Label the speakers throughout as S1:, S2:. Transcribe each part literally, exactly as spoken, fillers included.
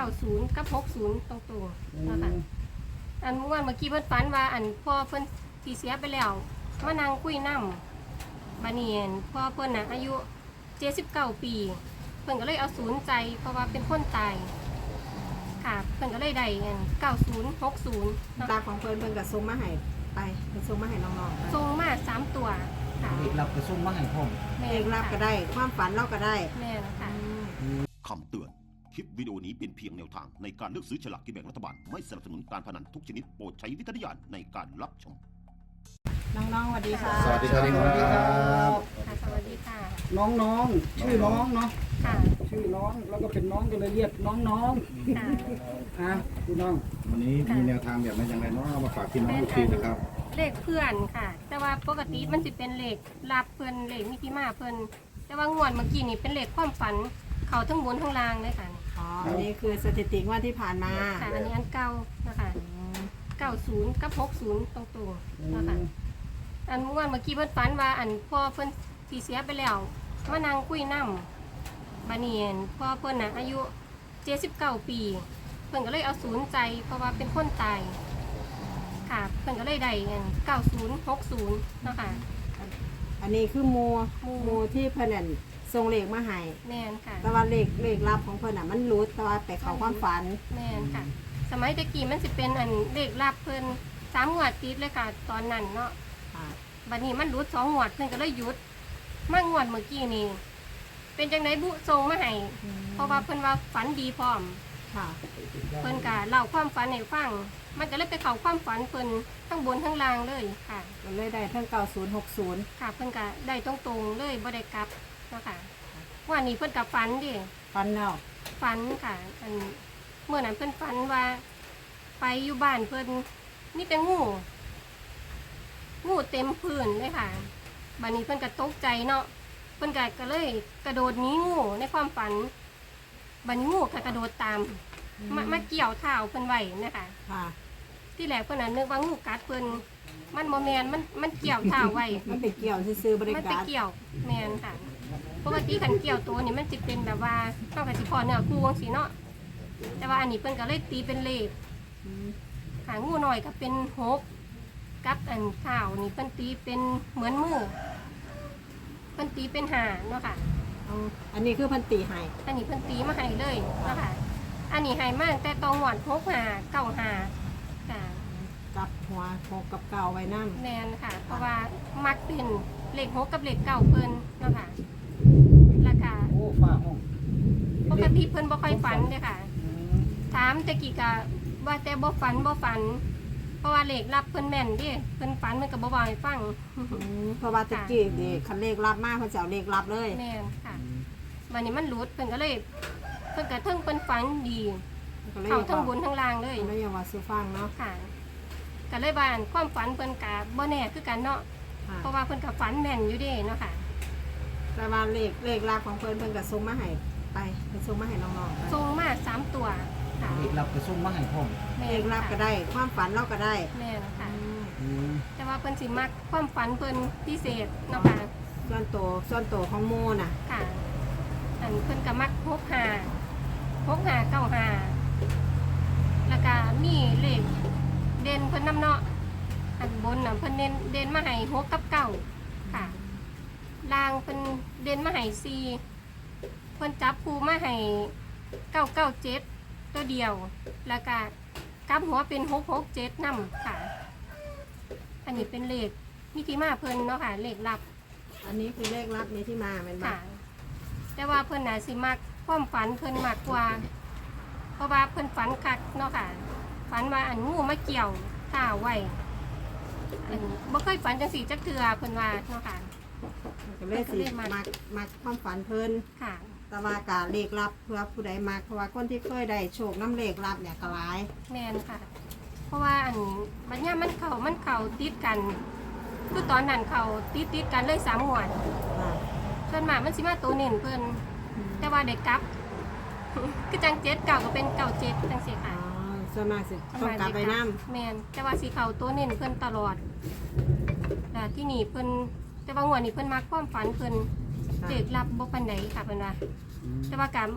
S1: ศูนย์กับหกศูนย์ตรงๆนะคะอันเมื่อวานเมื่อกี้เพิ่นฝันว่าอันพ่อเพิ่นที่เสียไปแล้วมานั่งคุยนำบัดนี้พ่อเพิ่นน่ะอายุเจ็ดสิบเก้าปีเพิ่นก็เลยเอาศูนย์ใจเพราะว่าเป็นคนตายค่ะเพิ่นก็เลยได้อันเก้าศูนย์หกศูนย์
S2: ตาของเพิ่นเพิ่นก็ส่งมาให้ไปเพิ่นส่งมาให้น้องๆไป
S1: ส่งมาสามตัวค่ะ
S3: เอกรับกระซุ่มมาให้ผม
S1: แม่
S2: เอกรับก็ได้ความฝันเราก็ได้
S1: แม่นะคะ
S4: คำเตือน คลิปวิดีโอนี้เป็นเพียงแนวทางในการเลือกซื้อฉลากกินแบ่งรัฐบาล ไม่สนับสนุนการพนันทุกชนิดโปรดใช้วิจารณญาณในการรับชม
S2: น้องๆสวัสดีค่ะ
S3: สวัสดีครับ
S5: สวัสดีครับ
S1: ค่ะสวัสดีค่ะ
S5: น้องๆชื่อน้องเนาะ
S1: ค่ะ
S5: ชื่อน้องแล้วก็เป็นน้องก็เลยเรียกน้อง
S1: ค่ะ
S5: ๆอ่ะพี่น้อง
S3: วันนี้มีแนวทางแบบไหนอย่างไรเนาะเอามาฝากพี่น้องทุกทีนะครับ
S1: เลขเพื่อนค่ะ แต่ว่าปกติมันจะเป็นเลขรับเพื่อนเลขมิติมาเพื่อนแต่ว่างวดเมื่อกี้นี่เป็นเลขความฝันเขาทั้งบนทั้งล่างเลยค่ะ
S2: อ๋ออันนี้คือสถิติงว่าที่ผ่านมา
S1: ค่ะอันนี้อันเก่านะคะเก้าศูนย์กับหกศูนย์ตรงๆนะคะอันเมื่อวานเมื่อกี้เพื่อนฝันว่าอันพ่อเพื่อนที่เสียไปแล้วมานั่งคุยนำบานีนพ่อเพื่อนน่ะอายุเจ็ดสิบเก้าปี เพื่อนก็เลยเอาศูนย์ใจเพราะว่าเป็นคนตายค่ะเพื่อนก็เลยได้เก้าศูนย์หกศูนย์นะคะ
S2: อันนี้คือหมู
S1: หมู่
S2: หมูที่เพิ่นนั่นส่งเลขมาให้
S1: แม่นค่ะ
S2: แต่ว่าเลขเลขลับของเพิ่นน่ะมันรู้แต่ว่าไปเข้าความฝัน
S1: แม่นค่ะ สมัยตะกี้มันสิเป็นอันเลขลับเพิ่นสามงวดติดเลยค่ะตอนนั้นเนาะ
S2: ค่ะ
S1: บัดนี้มันรุดสองงวดเพิ่นก็เลยหยุดมางวดเมื่อกี้นี่เป็นจังไดบุทรงมาให้เพราะว่าเพิ่นว่าฝันดีพร้อม
S2: ค่ะ
S1: เพิ่นก็เล่าความฝันให้ฟัง มันก็เลยไปเข้าความฝันเพิ่นทั้งบนทั้งล่างเลยค่ะ
S2: ก็เลยได้ทั้งเก้าศูนย์หกศูนย์
S1: ค่ะเพิ่นก็ได้ตรงๆเลยบ่ได้กลับเนาะค่ะว่านี่เพิ่นก็ฝันดิ
S2: ฝันแล้ว
S1: ฝันค่ะอันเมื่อนั้นเพิ่นฝันว่า ไปอยู่บ้านเพิ่นมีแต่งูงูเต็มพื้นเลยค่ะบัดนี้เพิ่นก็ตกใจเนาะเพิ่นก็ก็เลยกระโดดหนีงูในความฝันบัดนี้งูก็กระโดดตามมามาเกี่ยวเท้าเพิ่นไว้นะคะ
S2: ค่ะ
S1: ที่แรกเพิ่นน่ะนึกว่างูกัดเพิ่นมันบ่แม่นมันมันเกี่ยวเท้าไว้
S2: มันไปเกี่ยวซื้อๆบริ
S1: มันไป
S2: การ
S1: เกี่ยวแม่นค่ะปกติคันเกี่ยวตัวนี่มันสิเป็นแบบว่าต้องกับสิพอเนื้อคู่จังซี่เนาะแต่ว่าอันนี้เพิ่นก็เลยตีเป็นเลข
S2: อืม
S1: ค่ะงูหน่อยก็เป็นหกกับอันเท้านี่เพิ่นตีเป็นเหมือนมือเพิ่นตีเป็นหาเนาะค่ะ
S2: เอาอันนี้คือเพิ่นตีให้
S1: อันนี้เพิ่นตีมาให้เลยเนาะค่ะอันนี้ให้มาตั้งแต่ตองหวานหกหาเก้าหาค่ะ
S2: กับหัวหกกับเก่าไว้นั่ง
S1: แมนค่ะ เพราะว่ามักเป็นเลขหกกับเลขเก้าเพิ่นเนาะค่ะแล้วก็
S5: โอ้ฝ้าห้อง
S1: ปกติเพิ่นบ่ค่อยฝันเด้อค่ะ
S5: อืม
S1: ถามตะกี้ก็ว่าแต่บ่ฝันบ่ฝัน เพราะว่าเลขรับเพิ่นแม่นเดิเพิ่นฝันเพิ่นก็บ่เว้าให้ฟัง
S2: อืมเพราะว่าตะกี้นี่คันเลขลับมากเพิ่นจะเอาเลขลับเลย
S1: แม่นค่ะวันนี้มันหลุดเพิ่นก็เลยเพิ่นก็เทิงเพิ่นฝันดี
S2: ก็เลย
S1: เข้าทั้งบนทั้งล่างเลย
S2: ก็เลยอยากว่าซื้อฟังเนาะ
S1: ค่ะก็เลยว่าอันความฝันเพิ่นก็บ่แน่คือกันเนาะ
S2: ค่ะ
S1: เพราะว่าเพิ่นก็ฝันแม่นอยู่เด้เนาะค่ะ
S2: แต่ว่าเลขเลขลับของเพิ่นเพิ่นก็ส่งมาให้ไปเพิ่นส่งมาให้น้องๆไป
S1: ส่งมาสามตัวค่ะ
S3: เอกรับกระซุ่มมาให้ผม
S1: แม่
S2: เล
S1: น
S2: ขลับก็
S1: ค่ะ
S2: ได้ความฝันเราก็ได้
S1: แม่นค่ะ
S2: อืม
S3: อืม
S1: แต่ว่าเพิ่นสิมักความฝันเพิ่นพิเศษเนาะค่ะ
S2: ส่วนโตวส่วนโตวของโมน่ะ
S1: ค่ะ อันเพิ่นก็มักหกหาหกหาเก้าหาแล้วก็มีเลขเด่นเพิ่นนำเนาะอันบนน่ะเพิ่นเด่นเด่นมาให้หกกับเก้าค่ะล่างเพิ่นเด่นมาให้สี่เพิ่นจับคู่มาให้เก้าเก้าเจ็ดตัวเดียว แล้วก็กลับหัวเป็นหกหกเจ็ดนำค่ะ อันนี้เป็นเลขมิติมาเพิ่นเนาะค่ะเลขลับ
S2: อันนี้คือเลขลับนี้ที่มาเป็นบ่
S1: ค่ะ แต่ว่าเพิ่นน่ะสิมักความฝันเพิ่นมากกว่า เพราะว่าเพิ่นฝันคักเนาะค่ะ ฝันว่าอันงูมาเกี่ยวข้าวไว้อันบ่เคยฝันจังสี่จักเทื่อเพิ่นว่าเนาะค่ะ
S2: ก็เลยสิมักมักความฝันเพิ่น
S1: ค่ะ
S2: แต่ว่ากาเลขลับเพื่อผู้ใดมักเพราะว่าคนที่เคยได้โชคน้ำเลขลับเนี่ยก็หลาย
S1: แม่นค่ะ เพราะว่าอันบัดเนี้ยมันเข้ามันเข้าติดกัน คือตอนนั้นเข้าติดติดๆกันเลยสามงวด
S2: ค่ะ
S1: ส่วนมากมันสิมาตัวเน้นเพิ่นแต่ว่าได้กลับ คือจังเจ็ดเก่าก็เป็นเก่าเจ็ดจังซี่
S2: อ๋
S1: ค่ะ
S2: อส่วนมากสิต้องกลับไปน้
S1: แมนแต่ว่าสีเขาตัวเน้นเพิ่นตลอดแต่ที่นี่เพิ่นแต่ว่างวดนี้เพิ่นมักความฝันเพิ่น
S2: ำ
S1: เด็กรับบ่ปานใดค่ะเพิ่นว่าแต่ว่าการ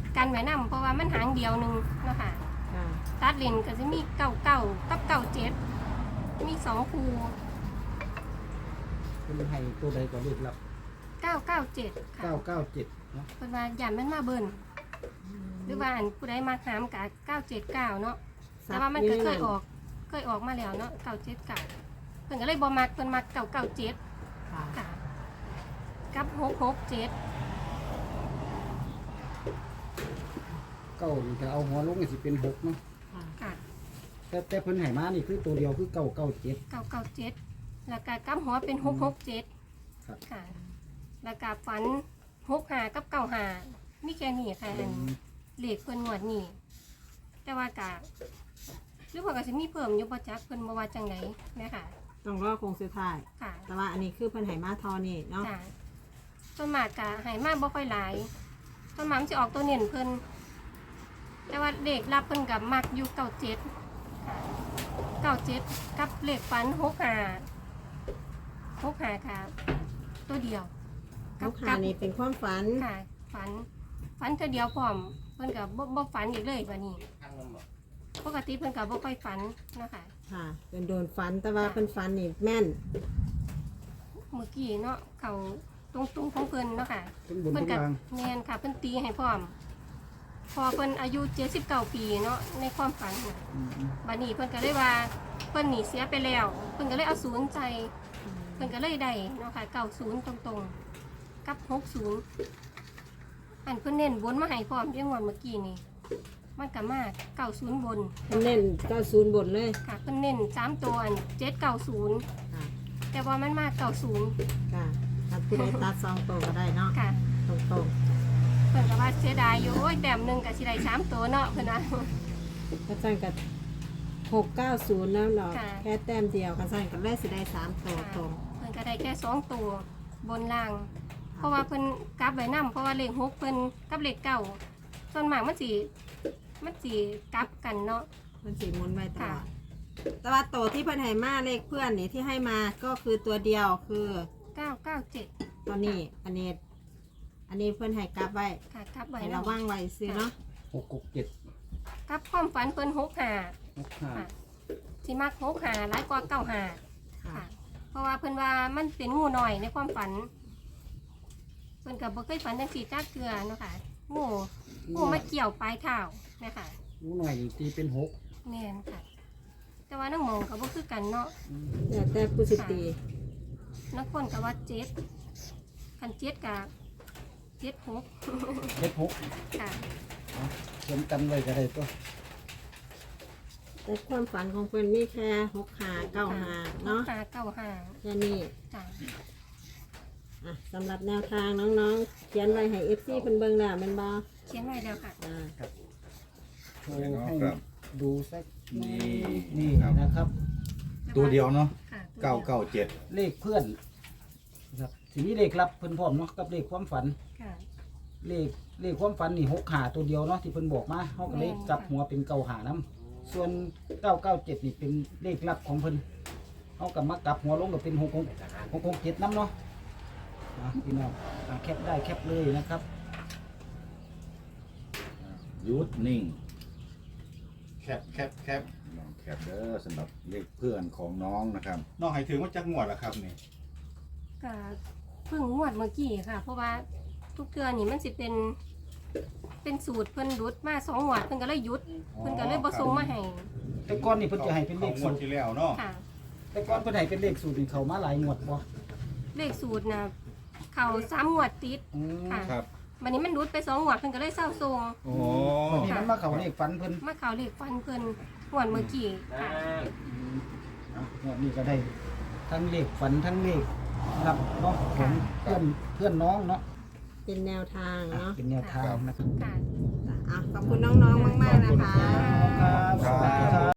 S1: กันไว้นำเพราะว่ามันหางเดียวหนึงเนาะค่ะ
S2: ค่ะ
S1: ตัดเลนก็จะมีเก้าเก้ากับเก้าเจ็ดมีสองคู่
S5: เป็นให้ตัวใดก็เลขลับ
S1: เก้าเก้าเจ็ดค่ะ
S5: เก้าเก้าเจ็ดเนาะ
S1: เพิ่นว่าย่านมันมาเบิ่นหรือว่าอันผู้ใดมาหามกะเก้าเจ็ดเก้าเนาะแต่ว่ามันก็เคยออกเคยออกมาแล้วเนาะเก้าเจ็ดเก้าเพิ่นก็เลยบ่มักเพิ่นมักเก้าเก้าเจ็ด
S2: ค่ะ
S1: ค่ะกับหกหกเจ็ด
S5: เก้านี่ถ้าเอาหัวลงก็สิเป็นหกเนาะ
S2: ค่ะ
S1: ค่ะ
S5: แต่แต่เพิ่นให้มานี่คือตัวเดียวคือเก้าเก้าเจ็ด
S1: เก้าเก้าเจ็ดแล้วก็กับหัวเป็นหกหกเจ็ด
S5: ครับ
S1: ค่ะ แล้วก็ฝันหกหากับเก้าหามีแค่นี้ค่ะอันเลขเพิ่นงวดนี้แต่ว่ากะหรือว่าก็สิมีเพิ่มอยู่บ่จักเพิ่นบ่ว่าจังได๋แม่ค่ะ
S2: ต้องรอคงสุดท้าย
S1: ค่ะ
S2: แต่ว่าอันนี้คือเพิ่นให้มาเทอนี่เนาะ
S1: จ้ะส่วนมากกะให้มาบ่ค่อยหลายส่วนมากมันสิออกตัวเน้นเพิ่นแต่ว่าเลขรับเพิ่นกับมักอยู่เก้าเจ็ดค่ะเก้าเจ็ดกับเลขฝันหกหาหกหาค่ะตัวเดียว
S2: ลูกค้านี่เป็นความฝัน
S1: ค่ะฝันฝันเธอเดียวพร้อมเพิ่นกับบ่บ่ฝันอีกเลยวันนี้ปกติเพิ่นกับบ่ค่อยฝันนะคะ
S2: ค่ะเป็นโดนฝันแต่ว่าเพิ่นฝันนี่แม่น
S1: เมื่อกี้เนาะเขาตรงๆของเพิ่นเนาะค่ะ
S5: ทั้งบน
S1: เพิ่
S5: ทั้
S1: น
S5: ง
S1: กับ
S5: ล่าง
S1: แม่นค่ะเพิ่นตีให้พร้อม พอเพิ่นอายุเจ็ดสิบเก้าปีเนาะในความฝันน่ะ
S5: อืม
S1: บัดนี้เพิ่นก็เลยว่าเพิ่นหนีเสียไปแล้วเพิ่นก็เลยเอาศูนย์ใจเพิ่นก็เลยได้เนาะค่ะเก้าศูนย์ตรงๆกับหกศูนย์อันเพิ่นเน้นบนมาให้พร้อมเรื่องวันเมื่อกี้นี่มันก็มาเก้าศูนย์บน
S2: เพิ่นเน้นเก้าศูนย์บนเลย
S1: ค่ะเพิ่นเน้นสามตัวอันเจ็ดเก้าศูนย์
S2: ค่ะ
S1: แต่ว่ามันมาเก้าศูนย์
S2: ค่ะถ้าผู้ใดตัดสองตัวก็ได้เนาะ
S1: ค่ะ
S2: ตรง
S1: เพิ่นก็ว่าเสียดายอยู่โอ้ยแต้มหนึงก็สิได้สามตัวเนาะเพิ่นว่า
S2: ๆก็สั่นกับหกเก้าศูนย์แล้วเนาะ
S1: ค่ะ
S2: แค่แต้มเดียวกันสั่นกับเลขสิได้สามตัวตรง
S1: เพิ่นก็ได้แค่สองตัวบนล่าง เพราะว่าเพิ่นกลับไว้นํเพราะว่าเลขหกเพิ่นกับเลขเก้าส่วนมากมันสิมันสิกลับกันเนาะ
S2: มันสีมุนไว้ตลอ
S1: ค่ะ
S2: ดแต่ว่าตัวที่เพิ่นให้มาเลขเพื่อนนี่ที่ให้มาก็คือตัวเดียวคือ
S1: เก้าเก้าเจ็ด
S2: ตัวนี้อันนี้ อันนี้เพื่อนให้กลับไว้
S1: ค่ะกลับไว้
S2: ให้
S1: แล้
S2: ระ
S1: ว
S2: วังไว้ซื้อเนาะ
S5: หกหกเจ็ด
S1: กลับความฝันเพิ่นหกห้า
S5: หกห้า
S1: ค่ะสิมักหกห้าหลายกว่าเก้าห้า
S2: ค่ะ
S1: ค่ะ เพราะว่าเพิ่นว่ามันเป็นงูหน่อยในความฝัน เพิ่นก็บ่เคยฝันจังซี่จักเทื่อเนาะค่ะงูงูมาเกี่ยวปลายเท้านะคะ
S5: รู้หน่อยนี่ตีเป็นหก
S1: แม่นค่ะ แต่ว่าน้องหมองก็บ่คือกันเนาะ
S5: อืม
S2: เดี๋ยวแต่ผู้สิตี
S1: นักคนก็ว่าเจ็ดคันเจ็ดก็เจ็ดหก
S5: เจ็ดหก
S1: ค่ะ
S5: เขียนกันไว้ก็ได้ตัว
S2: แต่ความฝันของเพื่อนมีแค่หกหาเก้าหาเนาะ
S1: หาเก้าห้า
S2: แค่นี้
S1: จ้ะ
S2: อ่ะสำหรับแนวทางน้องๆ เขียนไว้ให้เอฟซีเพิ่นเบิ่งแล้วแมันบ่
S1: เขียนไว้แล้วค่ะ
S2: อ่า
S5: โชว์ให้
S3: ครับ
S5: ดูสัก
S3: นี่
S5: นี่
S3: ครับ
S5: นะครับ
S3: ตัวเดียวเนาะ
S1: ค่ะตัวดียว
S3: เก้าเก้าเจ็ด
S5: เลขเพื่อนนะครับทีนี้เลขรับเพิ่นพร้อมเนาะกับเลขความฝัน
S1: ค่ะ
S5: เลขเลขความฝันนี่หกหาตัวเดียวเนาะที่เพิ่นบอกมาเฮาก็เลขกลับหัวเป็นเก้าหานํส่วนเก้าเก้าเจ็ดนี่เป็นเลขลับของเพิ่นเฮาก็มากลับหัวลงก็เป็นหกหกหกหกเจ็ดนํเนาะอ่ะพี่น้องอ่ะแคปได้แคปเลยนะครับ
S3: หยุดนิ่ง แคปแคปแคปลองแคปเด้อสำหรับเลขเพื่อนของน้องนะครับ น้องให้ถึงว่าจักงวดแล้วครับนี่
S1: ก็เพิ่งงวดเมื่อกี้ค่ะ เพราะว่าทุกเทื่อนี่มันสิเป็น เป็นสูตรเพิ่นรุดมาสองงวดเพิ่นก็เลยหยุดเพิ่นก็เลยบ่ส่งมาให้
S5: แต่ก่อนนี่เพิ่นจะให้เป็นเลข
S3: ง
S5: สู
S3: วด
S5: ตร
S3: ที่แล้วเนาะ
S1: ค่ะ
S5: แต่ก่อนเพิ่นให้เป็นเลขสูตรนี่เข้ามาหลายงวดบ่
S1: เลขสูตรน่ะเขาสามงวดติด
S5: อืม
S1: ค่ะ
S3: ครับ
S1: วันนี้มันรุดไปสองงวดเพิ่นก็เลยเศร้าทรง
S3: โอ้
S5: วันนี้มันมาเข้าเลขฝันเพิ่น
S1: มาเขาเลขฟันเพิ่นงวดเมื่อกี้ค่ะ
S5: อืมอ่ะงวดนี้ก็ได้ทั้งเลขฝันทั้งเลขรับเนาะของเพื่อนเพื่อนน้องเนาะ
S2: เป็นแนวทาง
S5: อ่ะ
S2: เนาะ
S5: เป็นแนวทางนะครับ
S1: ค่ะ
S2: อ่ะขอบคุณน้องๆมากๆนะคะ
S5: ครับสวัสดีครับ